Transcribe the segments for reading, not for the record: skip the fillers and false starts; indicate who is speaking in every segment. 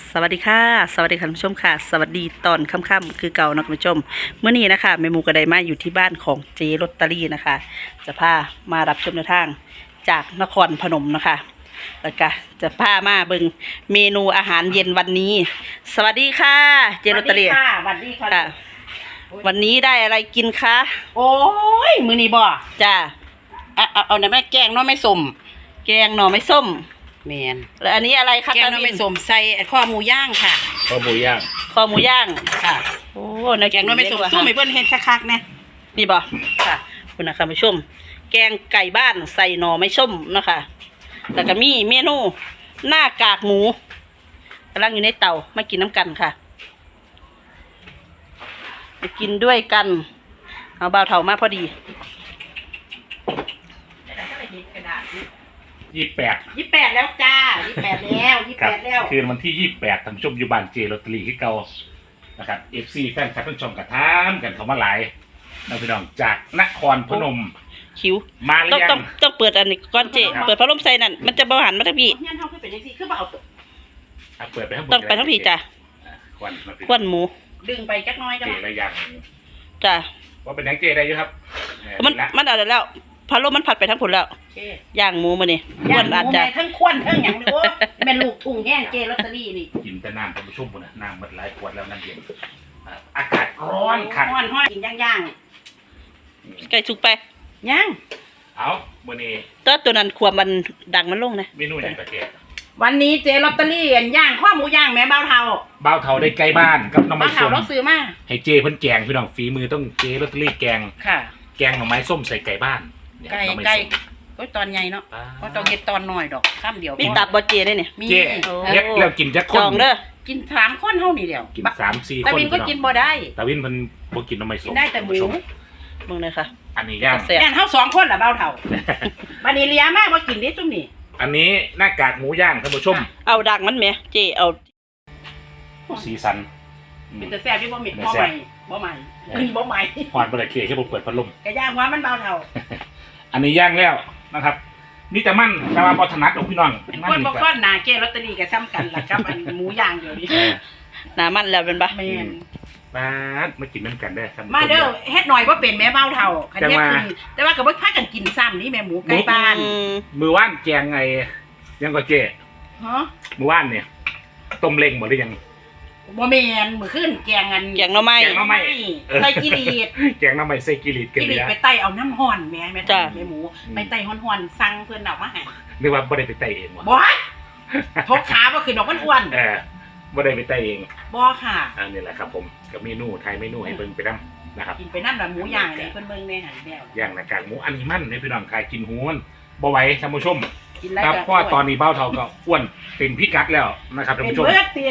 Speaker 1: สวัสดีค่ะสวัสดีคุณผู้ชมค่ะสวัสดีตอนค่ำๆคือเก่านะคุณผู้ชมเมื่อนี้นะคะแม่หมูกระไดมาอยู่ที่บ้านของเจลอตเตอรี่นะคะจะพามารับชมแนวทางจากนครพนมนะคะแล้วก็จะพามาเบิ่งเมนูอาหารเย็นวันนี้ สวัสดีค่ะเจลอตเตอรี่
Speaker 2: สวัสดีค่ะ
Speaker 1: ค่ะวันนี้ได้อะไรกินคะ
Speaker 2: โอ้ยมือนี้บ่
Speaker 1: จ้า
Speaker 2: เอาในแม่แกงเนาะไม่สม
Speaker 1: แกงหน่อไม้ส้ม
Speaker 2: แมน
Speaker 1: แล้วอันนี้อะไรคะ
Speaker 2: แกงเนาะไม่สมใส่ข้อหมูย่างค่ะ
Speaker 3: ข้าวหมูย่าง
Speaker 1: คอหมูย่าง
Speaker 2: ค่ะ
Speaker 1: โอ้น่า
Speaker 2: แกงเนาะไม่สมสู้ไม่เพิ่นเฮ็ดคักๆนะ
Speaker 1: นี่บ่ค่ะคุณนะคะผู้ชม แกงไก่บ้านใส่หน่อไม้ส้มนะคะแล้วก็มีเมนูหน้ากากหมูกำลังอยู่ในเตามากินน้ำกันค่ะมากินด้วยกันเอาเบาเถามาพอดี
Speaker 3: 28
Speaker 2: แล้วจ้า28แล้ว
Speaker 3: ครับ
Speaker 2: 28แล้ว
Speaker 3: คืนวันที่28ท่านผู้ชมอยู่บ้านเจลอตเตอรี่ที่เก่านะครับ FC แฟนคลับท่านผู้ชมกระทามกันเข้ามาหลายนะพี่น้องจากนครพนม
Speaker 1: คิว
Speaker 3: มาหรือ
Speaker 1: ต้อง
Speaker 3: ยั
Speaker 1: ต้อง
Speaker 3: ง
Speaker 1: ต้องเปิดอันนี้ก่อนเจ
Speaker 3: ครับ
Speaker 1: เปิดพัดลมใส่นั่นมันจะเบาหันมาทั้งพี่
Speaker 2: เฮียนเฮาคือเป็นจังซี่คือบ่เอาตัว
Speaker 3: เปิดไปทั้งหมด
Speaker 1: ต้องไปทั้งพี่จ้ะ
Speaker 3: ควันมา
Speaker 1: ควนหมู
Speaker 2: ดึงไปจักหน้อยจ้ะ
Speaker 3: เจระยัง
Speaker 1: จ้ะ
Speaker 3: ว่าเป็นยังเจได้อยู่ครับ
Speaker 1: มันอะไรแล้วพัดลมมันผัดไปทั้งผลแล้ว
Speaker 2: โอเค
Speaker 1: ย่างหมูมานี่ค
Speaker 2: ย่าว ง
Speaker 1: น
Speaker 2: ห
Speaker 1: อาจ
Speaker 2: มู
Speaker 1: จะ
Speaker 2: แม่ทั้งควนทั้งหยังนี่โอ้แม่นลูกทุ่งแห้งเจลอตเตอรี่นี่
Speaker 3: กินแต่น้ำท่านผู้ชมพุ่นน่ะน้ำหมดหลายขวดแล้วนั่นเองอากาศร้อนขัด
Speaker 2: ฮ้อนกินย่าง
Speaker 1: ไก่สุกไป
Speaker 2: ๆย่าง
Speaker 3: เอามื้อนี้
Speaker 1: ตัวนั้นความมันดังมันลงนะ
Speaker 3: เมนูอย่างตะเกียบ
Speaker 2: วันนี้เจลอตเตอรี่ย่างข้อหมูย่างแม่เบาเทา
Speaker 3: บ่าวเฒ่าได้ใกล้บ้านกับน้ำมั
Speaker 2: เบาน เทา
Speaker 3: ส้ม
Speaker 2: เราซื้อมา
Speaker 3: ให้เจเพิ่นแกงพี่น้องฝีมือต้องเจลอตเตอรี่แกง
Speaker 2: ค่ะ
Speaker 3: แกงหน่อไม้ส้มใส่ไก่บ้านเนี่ย
Speaker 2: ไก่
Speaker 3: หน่อม้
Speaker 2: ไก่
Speaker 3: ส้ม
Speaker 2: ก็ตอนใหญ่เนาะ
Speaker 3: อ่า
Speaker 2: ก็ต้องเฮ็ดตอนน้อยดอกข้ามเดียว
Speaker 1: มี
Speaker 2: พอ
Speaker 1: ตับบอเจได้เนี่ย
Speaker 2: มี
Speaker 3: เจ
Speaker 1: โอ้
Speaker 3: เฮ็ดแล้วกินจักค
Speaker 1: จ
Speaker 3: น
Speaker 1: องเด้อ
Speaker 2: กิน3คนเท่านี้เดียว
Speaker 3: กิน3-4
Speaker 2: ตา
Speaker 3: คน
Speaker 2: วินก็กินบ่ได้
Speaker 3: ตาวินเพิ่นบ่กินหน่อไม้
Speaker 2: กิ
Speaker 3: ส้
Speaker 2: น
Speaker 3: ม
Speaker 2: ได้แต่หมู
Speaker 1: มึงเลยค่ะ
Speaker 3: อันนี้ย่าง
Speaker 1: แซ่บ
Speaker 2: ย่างเฮา2คนล่ะเบาเฒ่าบัดนี้เลียมาบ่กินได้ซุ่มนี่
Speaker 3: อันนี้หน้ากากหมูย่างท่านผู้ชม
Speaker 1: เอาดังมันไหมเจเอา
Speaker 3: สีสันอืม
Speaker 2: เป็นแต่แซ่บอยู่บ่มีบ่ใหม่บ่ใหม่บ่ใหม่
Speaker 3: หอดบ่ได้เคให้บ่เปิดพัดลม
Speaker 2: ก็ย่างว่ามันเบาเฒ่า
Speaker 3: อันนี้ย่างแล้วนะครับมีแต่มันแต่ว่าบ่ถนัดของพี่น้องมัน
Speaker 2: คน
Speaker 3: นี่
Speaker 2: บ่
Speaker 3: ก็
Speaker 2: ค่อนหน้าเกลอตเตอรี่ก็ซ้ำกันล่ะกับอันหมูย่างเดี๋ยวนี้
Speaker 3: เออ
Speaker 1: หนามันแล้วเป็นปะ
Speaker 2: แม่น
Speaker 3: มามากินน้ำกันได้อท่านผู้ช
Speaker 2: มาเด้อเฮ็ดหน่อยบ่เป็นแม่เบาเฒ่าคันเฮ็ด
Speaker 3: จัง
Speaker 2: คื
Speaker 3: ว่า
Speaker 2: อแต่ว่าก็บ่พากันกินซ้ำนี่แม่หมูไก่บ้าน
Speaker 3: มือว่านแกงไงยังก็เจ
Speaker 2: ฮะ
Speaker 3: มือว่านเนี่ยต้มเล้งหมดหรือยัง
Speaker 2: บ่แม่นมื้อคืนแกงอัน
Speaker 1: แกงหน่อไม้
Speaker 3: แกงหน่อไม้
Speaker 2: ใส่กิริด
Speaker 3: แกงน้ำใหม่ใส่กิริดกัน
Speaker 2: กิ
Speaker 3: เล
Speaker 2: ริ
Speaker 3: ย
Speaker 2: ด
Speaker 3: นะ
Speaker 2: ไปไต่เอาน้ำฮ้อนแม่แม่
Speaker 1: จ้ะ
Speaker 2: แม่หมูไปไต่ฮ้อนๆสั่งเพิ่นเอามาให้
Speaker 3: นึกว่าบ่ได้ไปไต่เองวะ
Speaker 2: บ่ทกขาบ่คือดอกมันอ้วน
Speaker 3: บ่ได้ไปไต่เอง
Speaker 2: บ่ค่ะ
Speaker 3: อันนี้แหละครับผมกับเมนูไทยเมนูให้เบิ่งไปนำนะครับ
Speaker 2: กินไปน้ำละหมูย่างนี่เพิ่นเบิ่งในหันแล้ว
Speaker 3: ย่างหน้ากากหมูอันนี้มันให้พี่น้องคายกินหูมันบ่ไหวท่านผู้ชม
Speaker 2: กินแล้ว
Speaker 3: ครับ
Speaker 2: ก็
Speaker 3: เพราะว่าตอนนี้เบ้าเฒ่าก็อ้วนเป็นพิกัดแล้วนะครับท่าน
Speaker 2: เป็น
Speaker 3: ผู้ชม
Speaker 2: เบิดติ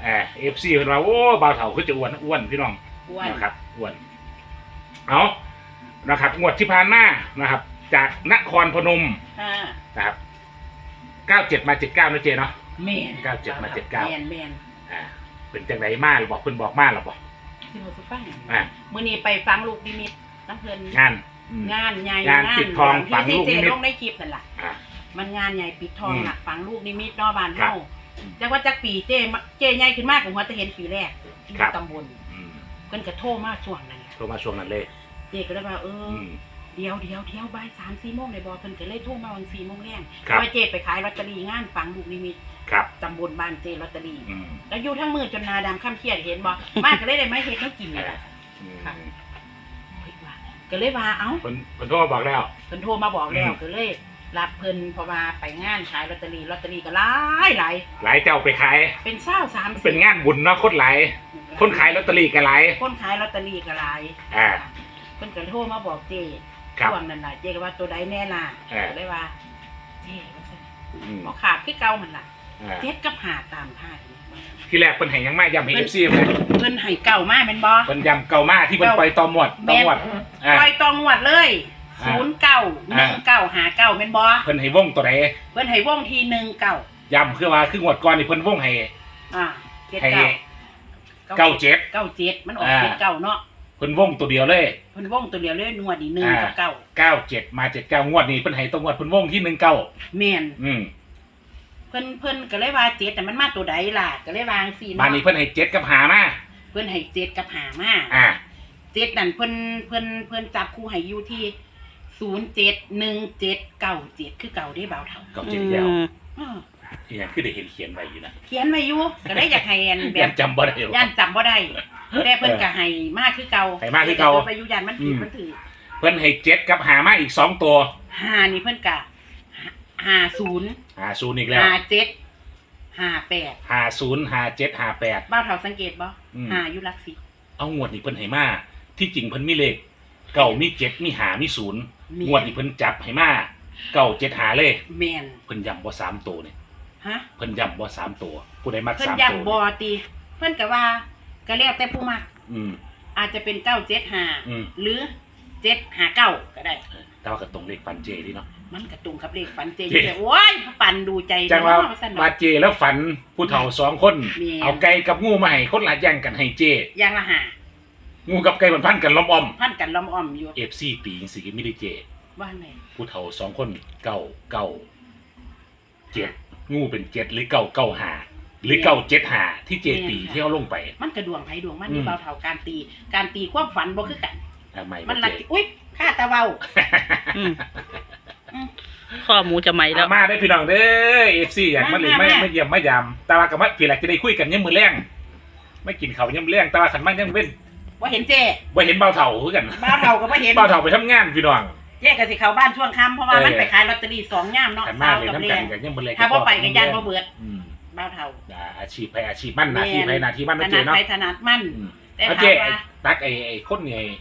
Speaker 3: FC เพิ่นว่าโอ้เบ้าเฒ่าคือจะอ้วนพี่น้อง
Speaker 2: อ้วน
Speaker 3: นะครับอ้วนเอานะครับงวดที่ผ่านมานะครับ จากนครพนม
Speaker 2: ค่ะ
Speaker 3: นะครับ97มา79นะเจเนาะ
Speaker 2: แม่น
Speaker 3: 97มา79
Speaker 2: แม่นแม่น
Speaker 3: เป็นจังไรมาหรือบอกเพิ่นบอกมาหรือบอก
Speaker 2: สิบ่สุฟัง
Speaker 3: อ่ะ
Speaker 2: มื้อนี้ไปฟังลูกนิมิตน้ำเพิ่น
Speaker 3: งานอืม
Speaker 2: งานใหญ่
Speaker 3: งานปิดทองฝังลูกนิมิต
Speaker 2: ที่เจลงในคลิปนั่นล่ะ
Speaker 3: อ่ะ
Speaker 2: มันงานใหญ่ปิดทอง
Speaker 3: อืม
Speaker 2: น่ะฝังลูกนิมิตเนาะบ้าน
Speaker 3: ครั
Speaker 2: เฮา
Speaker 3: บ
Speaker 2: จักว่าจักปีเจใหญ่ขึ้นมากกว่าหัวตะเห็นปีแรกที่
Speaker 3: ครับ
Speaker 2: ตำบล
Speaker 3: อืม
Speaker 2: เพิ่นก็โทรมาช่วงนั้นแหละ
Speaker 3: โทรมาช่วงนั้นเลย
Speaker 2: เจก็เลยว่า
Speaker 3: อืม
Speaker 2: เดี๋ยวบ่าย3-4 โมงได้บ่เพิ่นก็เลยโทรมาวัน4 โมงแรง
Speaker 3: ครับ
Speaker 2: ว่าเจไปขายลอตเตอรี่งานฝังลูกนิมิต
Speaker 3: ครับ
Speaker 2: ตำบลบ้านเจลอตเตอรี่
Speaker 3: อืม
Speaker 2: แล้วอยู่ทั้งมือจนนาดำค่ำเครียดเห็นบ่ มาก็เลยได้มาเฮ็ดให้กินนี่ล่ะ
Speaker 3: อืม
Speaker 2: ค่ะ เฮ้ยว่าก็เลยว่าเอ้า
Speaker 3: เพิ่นโทรมาบอกแล้ว
Speaker 2: เพิ่นโทรมาบอกแล้ว
Speaker 3: อืม
Speaker 2: ก็เลยรับเพิ่นเพราะว่าไปงานขายลอตเตอรี่ก็หลายหลาย
Speaker 3: หลายเจ้าไปขาย
Speaker 2: เป็น20-30
Speaker 3: เป็นงานบุญเนาะคนหลายคนขายลอตเตอรี่ก็หลาย
Speaker 2: คนขายลอตเตอรี่ก็หลาย
Speaker 3: อ่า
Speaker 2: เพิ่นก็โทรมาบอกเจ
Speaker 3: ครับ
Speaker 2: ช่วงนั้นน่ะเจก็ว่าตัวใดแน่ล่ะ
Speaker 3: อ่า
Speaker 2: ก็เลยว่าเจว่าซั่น
Speaker 3: อืม
Speaker 2: บ่ขาดคือเก่าหั่นล่ะ
Speaker 3: อ่า
Speaker 2: เจ็ดกับหาตามท่านี่
Speaker 3: ที่แรกเพิ่นให้ยังมาย้ำให้ FC เลย
Speaker 2: เพิ่นให้เก่ามาแม่นบ่
Speaker 3: เพิ่นย้ำเก่ามาที่เพิ่นปล่อยต่อหมวดต่อหมวดอ่า
Speaker 2: ปล่อยตองวดเลย
Speaker 3: อ่า
Speaker 2: 091959แม่นบ่
Speaker 3: เพิ่นให้วงตัวใด
Speaker 2: เพิ่นให้วงที่19
Speaker 3: ย้ำคือว่าคืองวดก่อนนี่เพิ่นวงให้ ให้
Speaker 2: 79
Speaker 3: 97
Speaker 2: มันออก
Speaker 3: อ่า
Speaker 2: 79เนาะ
Speaker 3: เพิ่นวงตัวเดียวเลย
Speaker 2: เพิ่นวงตัวเดียวเลยนวดอี1กับ9
Speaker 3: 97มา79งวดนี้เพิ่นให้ตัวงวดเพิ่นวงที่19
Speaker 2: แม่น
Speaker 3: อืม
Speaker 2: เพิ่เพิ่นก็เลยว่าเจ็ดแต่มันมาตัวใดล่ะก็เลยวางสี่
Speaker 3: บ้านนี้เพิ่นให้7กับหามา
Speaker 2: เพิ่นให้เจ็ดกับหามา
Speaker 3: อ่า
Speaker 2: เจ็ดนั่นเพิ่นจับคู่ให้อยู่ที่071797คือเก่าได้เบาเท่า
Speaker 3: เก่าเจ็ดแล้ว
Speaker 2: อ้อ
Speaker 3: อีหยังคือได้เห็นเขียนไว้อยู่นะ
Speaker 2: เขียนไว้อยู่ก็ได้อยากให้อันแบ
Speaker 3: ยั
Speaker 2: บ
Speaker 3: นจำบ่ได้หรอก
Speaker 2: ย่านจำบ่ได้แต่เพิ่นก็ให้มากคือเก่า
Speaker 3: ให้มากคือเก่า
Speaker 2: ไปอยู่ย่านมันผิดมันถือ
Speaker 3: เพิ่นให้7กับหามาอีก2ตัว
Speaker 2: 5นี่เพิ่นก็50
Speaker 3: 50อีกแล้ว
Speaker 2: 57 58
Speaker 3: 50 57 58
Speaker 2: บ้าวเฒ่าสังเกตบ่
Speaker 3: อืม
Speaker 2: หาอยู่หลักสิบ
Speaker 3: เอางวดนี้เพิ่นให้มาที่จริงเพิ่นมีเลขเก่ามี7มีหามี0งวดนี้เพิ่นจับให้มาเก่า7หาเลย
Speaker 2: แม่น
Speaker 3: เพิ่นย้ำบ่3ตัวนี่
Speaker 2: ฮะ
Speaker 3: เพิ่นย้ำบ่3ตัวผู้ใดมัก
Speaker 2: เพิ่น
Speaker 3: 3
Speaker 2: ย้ำ
Speaker 3: ตัว
Speaker 2: บ่ติเพิ่นก็ว่าก็แล้วแต่ผู้มัก
Speaker 3: อืม
Speaker 2: อาจจะเป็น
Speaker 3: อืม
Speaker 2: 975หรือ759ก็ได้
Speaker 3: แต่ว่าก็ตรงเลขฟันเจดีเนาะ
Speaker 2: มันกระตุงกับเลขฝันเจ
Speaker 3: เจ๊
Speaker 2: อยู่แต่โอ้ยปันดูใจ
Speaker 3: จังว่า
Speaker 2: เนะซั่น
Speaker 3: ว่า
Speaker 2: เนาะ
Speaker 3: เจแล้วฝันผู้เฒ่า2คน
Speaker 2: แม่น
Speaker 3: เอาไก่กับงูมาให้คนละแย่งกันให้เจ
Speaker 2: อย่างละหา
Speaker 3: งูกับไก่มันพันกันล้อมอ้อม
Speaker 2: พันกันล้อมอ้อมอยู่
Speaker 3: FC ตีจังซี่ไม่ได้เจ
Speaker 2: ว่าไง
Speaker 3: ผู้เฒ่า2คนเก่า7งูเป็น7หรือ9 5หรือ9 7 5ที่เจตีที่เอาลงไป
Speaker 2: มันกระดวงไผดวงมัน
Speaker 3: อืม
Speaker 2: นี่เบาเท่าการตีความฝันบ่คือกัน
Speaker 3: ทำไม
Speaker 2: มัน
Speaker 3: บ่
Speaker 2: ลัก
Speaker 3: เจ
Speaker 2: อุ้ยข้าตะเว้า
Speaker 1: อืมข้อหมูจะไหมแล้ว
Speaker 3: มาได้พี่น้องเด้อ FC อยากมาเล่นไม่เยี่ยมไม่ยามแต่ว่ากับว่าพี่แหละจะได้คุยกันยามมื้อแลงไม่กินข้าวยามมื้อแลงแต่ว่าคันมันยังเว้น
Speaker 2: ว่าเห็นเจ้
Speaker 3: บ่เห็นเบาเฒ่าคือกัน
Speaker 2: บ้าวเฒ่าก็บ่เห็น
Speaker 3: เบาเฒ่าไปทำงานพี่น้อง
Speaker 2: เจ๊ก็สิเข้าบ้านช่วงค่ำเพราะว่ามันไปขายลอตเตอรี่2ย่ามเนาะ
Speaker 3: คันมา
Speaker 2: เช้า
Speaker 3: เลย
Speaker 2: กับ
Speaker 3: ทำ
Speaker 2: เรี
Speaker 3: กั
Speaker 2: ย
Speaker 3: น
Speaker 2: น
Speaker 3: กันยังมื้อแลง
Speaker 2: ถ้าบ่ไปก็ย่านบ่เบิด
Speaker 3: อืม
Speaker 2: บ้าวเฒ่า
Speaker 3: อาชีพให้อาชีพมั่นหน้าที่ให้หน้าที่มั่น
Speaker 2: ถ
Speaker 3: นะเจ
Speaker 2: นัด
Speaker 3: เนาะ
Speaker 2: ไปถนัดมัน
Speaker 3: อืม
Speaker 2: แต่
Speaker 3: เอา
Speaker 2: ถา
Speaker 3: เจ
Speaker 2: มว่า
Speaker 3: ตักไอ้คน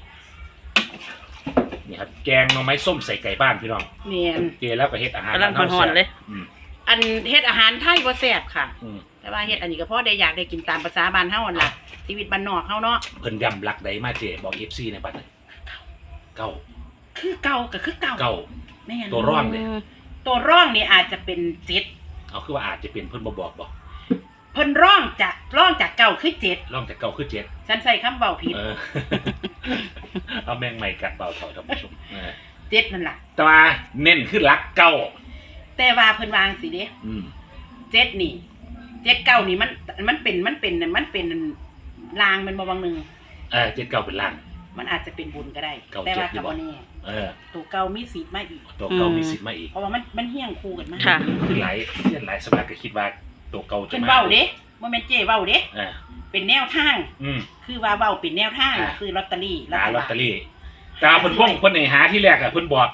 Speaker 3: นี่ครับแกงหน่อไม้ส้มใส่ไก่บ้านพี่น้อง
Speaker 2: เนียน
Speaker 3: เจแล้วก็เฮ็ดอาหาร
Speaker 1: กำลังฮอนๆเลย
Speaker 3: อืม
Speaker 2: อันเฮ็ดอาหารไทยบ่แซ่บค่ะ
Speaker 3: อืม
Speaker 2: แต่ว่าเฮ็ดอันนี้ก็พอได้อยากได้กินตามภาษาบ้านเฮานั่นล่ะชีวิตบ้านนอกเฮาเนาะ
Speaker 3: เพิ่นย้ำหลักใดมาเจบอก FC ในบัดนี้เก้า
Speaker 2: คือเก่าก็คือเก่า
Speaker 3: เก้า
Speaker 2: แม่น
Speaker 3: ตัวร่องเลย
Speaker 2: ตัวร่องนี่อาจจะเป็น7
Speaker 3: เอาคือว่าอาจจะเป็นเพิ่นบ่บอกบ่
Speaker 2: เพิ่นร่องจากเก่าคือ7
Speaker 3: ร่องจากเก้าคือเจ็ด
Speaker 2: ฉันใส่คำเว้าผิด
Speaker 3: เออ เอาแมงใหม่กัดเบาเถอยท่านผู้ชม
Speaker 2: 7นั่นล่ะ
Speaker 3: แต่ว่าเน้นคือหลักเก้า
Speaker 2: แต่ว่าเพิ่นวางสิเด้
Speaker 3: อืม
Speaker 2: 7นี่7 9นี่มันเป็นลางมันบ่บางหนึง
Speaker 3: เจ็ดเก้าเป็นล่าง
Speaker 2: มันอาจจะเป็นบุญก็ได้
Speaker 3: เก่า
Speaker 2: แต่ว่า
Speaker 3: เจ็ดอยู่
Speaker 2: กับ
Speaker 3: บ่
Speaker 2: บ่แน่
Speaker 3: เออ
Speaker 2: ตัวเก่ามีสิทธิ์มาอีก
Speaker 3: ตัวเก้ามีสิทธิ์มาอีก
Speaker 2: เพราะว่ามันเฮี้ยงคู่กันมา
Speaker 1: ค่ะ
Speaker 3: คือหลายเช่นหลายสำนักก็คิดว่าตัวเก้าจะ
Speaker 2: เป็น
Speaker 3: มา
Speaker 2: เว้าเด้บ่แม่นเจ้เว้าเด้
Speaker 3: เออ
Speaker 2: เป็นแนวทาง
Speaker 3: อืม
Speaker 2: คือว่าเว้าเป็นแนวทาง
Speaker 3: อ่า
Speaker 2: คือลอตเตอรี่
Speaker 3: หาลอตเตอ
Speaker 2: ฐบล
Speaker 3: รี่แต่ว่าเพิ่นเพิ่นให้หาที่แรกอะเพิ่นบอก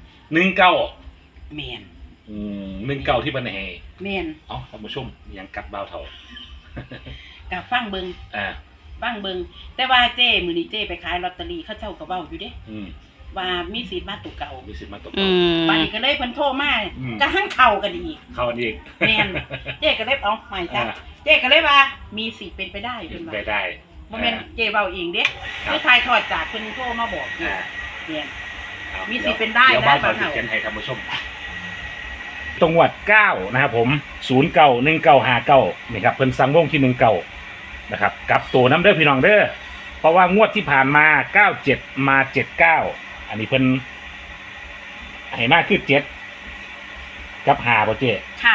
Speaker 3: 19
Speaker 2: แม่น
Speaker 3: 19ที่เพิ่นให้
Speaker 2: แม่น
Speaker 3: เอ้าท่านผู้ชมยังกัดเบาเถา
Speaker 2: ก็ฟังเบิ่ง
Speaker 3: อ่า
Speaker 2: ฟังเบิ่งแต่ว่าเจ้มื้อนี้เจ้ไปขายลอตเตอรี่เขาเจ้าก็เว้าอยู่เด้
Speaker 3: อืม
Speaker 2: ว่ามีสิทธิ์มาตัวเก่า
Speaker 3: มีสิทธิ์มาตัว
Speaker 1: อื
Speaker 3: เก่าม
Speaker 2: บัดนี้ก็เลยเพิ่นโทรมา
Speaker 3: อืม
Speaker 2: ก็หั่งเข้ากันอีก
Speaker 3: เข้าอันนี้อีก
Speaker 2: แม่น เจ๊ก็เลยเอาใหม่จ้ะ
Speaker 3: อ่า
Speaker 2: เจ๊ก็เลยว่ามีสิทธิ์เป็นไปได้
Speaker 3: เป็
Speaker 2: เพิ่
Speaker 3: น
Speaker 2: นว่า
Speaker 3: ไปได้
Speaker 2: บ่แม่นเจ๊เว้าเองเด้
Speaker 3: ครับ
Speaker 2: คือทายทอดจากเพิ่นโทรมาบอกอยู่
Speaker 3: อ่า
Speaker 2: เนี่ย
Speaker 3: เอา
Speaker 2: มีสิทธิ์เป็นได้
Speaker 3: เดี๋ยว
Speaker 2: นะ
Speaker 3: บ้าน
Speaker 2: บ้า
Speaker 3: เขา
Speaker 2: น
Speaker 3: จะ
Speaker 2: เรา
Speaker 3: เขียนให้ท่านผู้ชมตรงวัด9นะครับผม091959นี่ครับเพิ่นสั่งวงที่19นะครับกับตัวน้ำเด้อพี่น้องเด้อเพราะว่างวดที่ผ่านมา97มา79อันนี้เพิ่นให้มากคือ7กับ5บ่เจ๊
Speaker 2: ค่ะ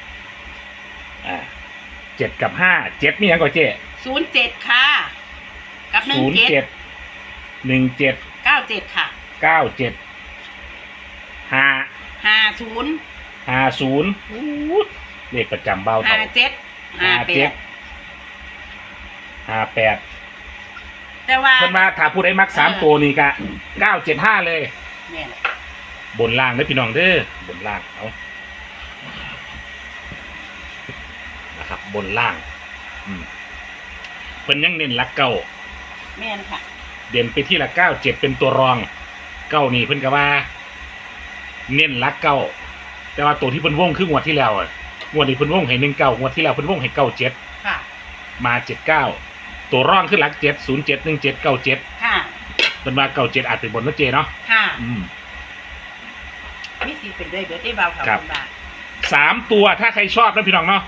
Speaker 3: 7กับ5 7มีหยังก่อนเจ๊
Speaker 2: 07ค่ะ กับ17
Speaker 3: 07 17
Speaker 2: 97ค่ะ
Speaker 3: 97
Speaker 2: 50
Speaker 3: 50เลขประจำเบาเท่า
Speaker 2: 57
Speaker 3: 58
Speaker 2: แต่ว่า
Speaker 3: เพิ่นมาถ้าผู้ใดมัก3ตัวนี่ก็975เลย
Speaker 2: แม่น
Speaker 3: บนล่างเด้อพี่น้องเด้อบนล่างเอานะครับบนล่างเพิ่นยังเน้นหลักเก้า
Speaker 2: แม่นค่ะ
Speaker 3: เด่นไปที่หลัก9 7เป็นตัวรองเก้านี่เพิ่นก็ว่า เน้นหลักเก้าแต่ว่าตัวที่เพิ่นวงคืองวดที่แล้วอะงวดนี้เพิ่นวงให้19งวดที่แล้วเพิ่นวงให้97
Speaker 2: ค่ะ
Speaker 3: มา79ตัวร่องคือหลัก7 07 17 97
Speaker 2: ค่ะ
Speaker 3: เป็นว่า97อาจเป็นบนนะเจเนาะ
Speaker 2: ค่ะ
Speaker 3: อืม
Speaker 2: มีสิทธิ์เป็นด้วยเบิดได้เบาค่ะ
Speaker 3: ครับ
Speaker 2: คุณบาท
Speaker 3: 3ตัวถ้าใครชอบนะพี่น้องเนาะ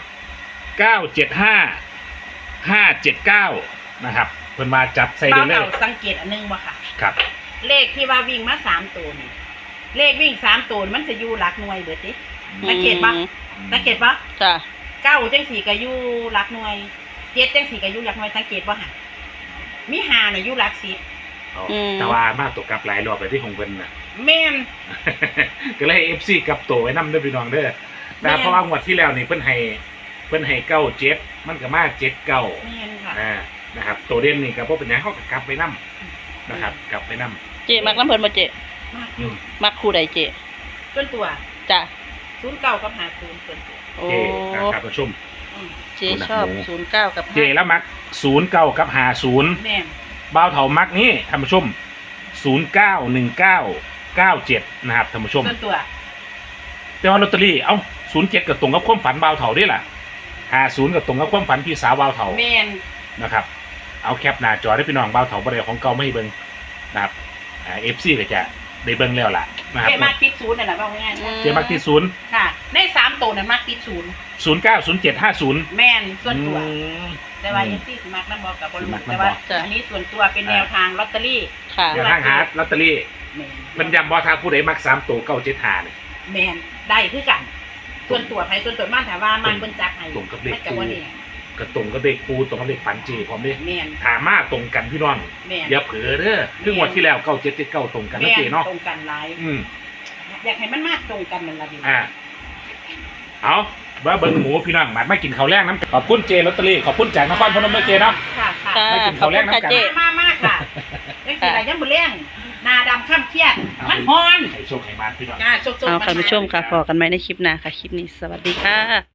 Speaker 3: 975 579นะครับเพิ่นมาจับใส่
Speaker 2: เบา
Speaker 3: เลย
Speaker 2: เก่าสังเกตอันนึงบ่ค่ะ
Speaker 3: ครับ
Speaker 2: เลขที่ว่าวิ่งมา3ตัวนี่เลขวิ่ง3ตัวมันจะอยู่หลักหน่วยเบิดติสังเกตปะสังเกตปะ
Speaker 1: จ้ะ
Speaker 2: เก้าจังสี่ก็อยู่หลักหน่วยเจ็ดจังสี่ก็อยู่หลักหน่วยสังเกตว่าหะมีหาน่ะอยู่หลักสิบ
Speaker 3: เอาแต่ว่ามาตกกลับหลายรอบไปที่ของเพิ่นน่ะ
Speaker 2: แม่น
Speaker 3: ก็เลยให้ FC กลับตัวไว้นำเด้อพี่น้องเด้อนะครับ
Speaker 2: แม่น
Speaker 3: เพราะว่างวดที่แล้วนี่เพิ่นให้97มันก็มา79
Speaker 2: แม่นค่ะ
Speaker 3: นะครับตัวเด่นนี่ก็บ่เป็นหยังเฮาก็กลับไปนํนะครับกลับไปนํ
Speaker 1: เจมักน้ำเพิ่นบ่เจ
Speaker 2: มาก
Speaker 1: มักคู่ใดเจ
Speaker 2: ส่วนตัว
Speaker 1: จ้ะ
Speaker 2: 09กับ50ส่วนตัว
Speaker 1: โอ้
Speaker 3: เจครับผู้ชม
Speaker 2: อืม
Speaker 1: เจชอบ09กับ
Speaker 3: เจแล้วมัก09กับ50
Speaker 2: แม่น
Speaker 3: บ่าวเถามักนี่ท่านผู้ชม091997นะครับท่านผู้ชม
Speaker 2: ส่วนตัว
Speaker 3: แต่ว่าลอตเตอรี่เอ้า07ก็ตรงกับความฝันบ่าวเถาด้วยล่ะ50ก็ตรงกับความฝันพี่สาวบ่าวเถา
Speaker 2: แม่น
Speaker 3: นะครับเอาแคปหน้าจอได้พี่น้องบ่าวเถาบ่ได้ของเก่าไม่ให้เบิ่งนะครับFC ก็จะได้เบิ่งแล้วล่ะนะครับ
Speaker 2: เจ๊มากติดศูนย์นั่นแหละว่าง่ายๆนะ
Speaker 3: เจมักที่0
Speaker 2: ค่ะใน3ตัวนั้นมากติดศูนย์
Speaker 3: 090750
Speaker 2: แม่นส่วนตัว
Speaker 3: อืม
Speaker 2: แต่ว่ายังซี่สิมักน้ำบอกกับบอล
Speaker 3: สิมัก
Speaker 2: แต่
Speaker 3: น้ำบอก
Speaker 2: ว่าอันนี้ส่วนตัวเป็นแนวทางลอตเตอรี่
Speaker 1: ค่ะ
Speaker 3: เดี๋ยวทางหาลอตเตอรี่
Speaker 2: แม่น
Speaker 3: มันย้ำบ่ถ้าผู้ใดมัก3ตัว975นี่
Speaker 2: แมนได้คือกัน ส่วนตัวไผส่วนตัวมันถามว่ามันเพิ่นจักให้
Speaker 3: ตรงกับเลข
Speaker 2: มันก็บ่เนี่ย
Speaker 3: ก็ตรงกับเลขครูตรงกับเลขฝันเจพร้อมเด้
Speaker 2: แมน
Speaker 3: ถามมาตรงกันพี่น้อง
Speaker 2: แมน
Speaker 3: อย่าเผลอเด้อคืองวดที่แล้ว9779ตรงกัน
Speaker 2: แม
Speaker 3: นะ
Speaker 2: น
Speaker 3: เจเนาะ
Speaker 2: ตรงกันหลาย
Speaker 3: อืม
Speaker 2: อยากให้มันมากตรงกันนั่นล่ะดิ
Speaker 3: เอาว่าเบิ่งหมูพี่น้องมากินข้าวแรกน้ำขอบคุณเจลอตเตอรี่ขอบคุณจากนครพนมด้วยเจเนาะ
Speaker 2: ค่ะค่ะ
Speaker 1: ค่ะ
Speaker 3: ไม่กิน
Speaker 1: ขอบ
Speaker 3: ข้าวแร
Speaker 1: คุ
Speaker 3: ก
Speaker 1: ณ
Speaker 3: น้ำ
Speaker 1: ค่ะ
Speaker 3: กัน
Speaker 1: เจ
Speaker 2: มากค่ะจังซี่ล่ะยังบ่เลี้ยงหน้าดำค่ำเครียดมันฮ้อน
Speaker 3: ให้โชคให้มาพี่น้อง
Speaker 2: จ้าโชคๆ
Speaker 1: เอา
Speaker 2: มัน
Speaker 1: ค่ะผู้ชมค่ะพอกันไหมในคลิปหน้าค่ะ คลิปนี้สวัสดีค่ะ